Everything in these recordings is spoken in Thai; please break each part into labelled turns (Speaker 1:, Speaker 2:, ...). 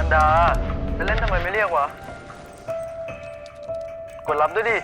Speaker 1: ดาจะเล่นทำไมไม่เรียกวะกดรับด้วยดิ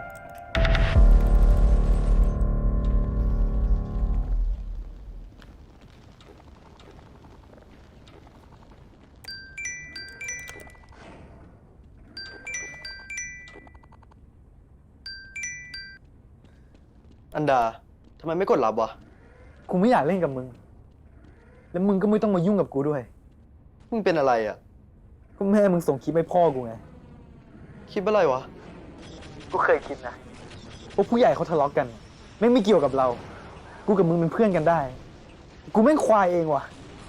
Speaker 1: อันดาทำไมไม่กดรับวะ
Speaker 2: กูไม่อยากเล่นกับมึงแล้วมึงก็ไม่ต้องมายุ่งกับกูด้วย
Speaker 1: มึงเป็นอะไรอ่ะ
Speaker 2: ก็แม่มึงส่งคลิปให้พ่อกูไง
Speaker 1: คลิปอะไรวะ
Speaker 2: กูเคยคิดนะว่าผู้ใหญ่เขาทะเลาะกันไม่เกี่ยวกับเรากูกับมึงเป็นเพื่อนกันได้กูแม่งควายเองว่ะ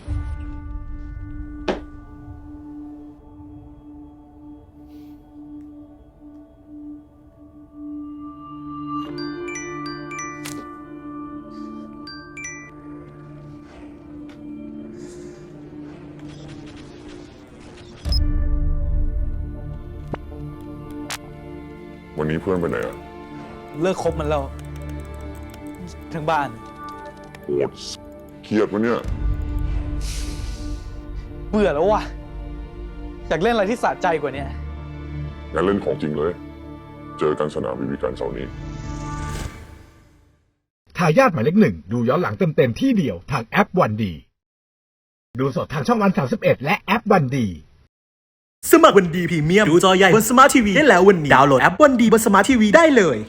Speaker 3: วันนี้เพื่อนไปไหนอ่ะ
Speaker 2: เลิกคบมันแล้วทั้งบ้าน
Speaker 3: โหดเครียดวะเนี่ย
Speaker 2: เบื่อแล้วว่ะอยากเล่นอะไรที่สะใจกว่านี้
Speaker 3: งั้นเล่นของจริงเลยเจอกันสนามบิการเสาร์นี้
Speaker 4: ทายาทหมายเลข 1ดูย้อนหลังเต็มๆที่เดียวทางแอปวันดีดูสดทางช่องวัน31และแอปวันดี
Speaker 5: สมัครวันดีพรีเมียมดูจอใหญ่บนสมาร์ททีวีได้แล้ววันนี้ดาวน์โหลดแอปวันดีบนสมาร์ททีวีได้เลย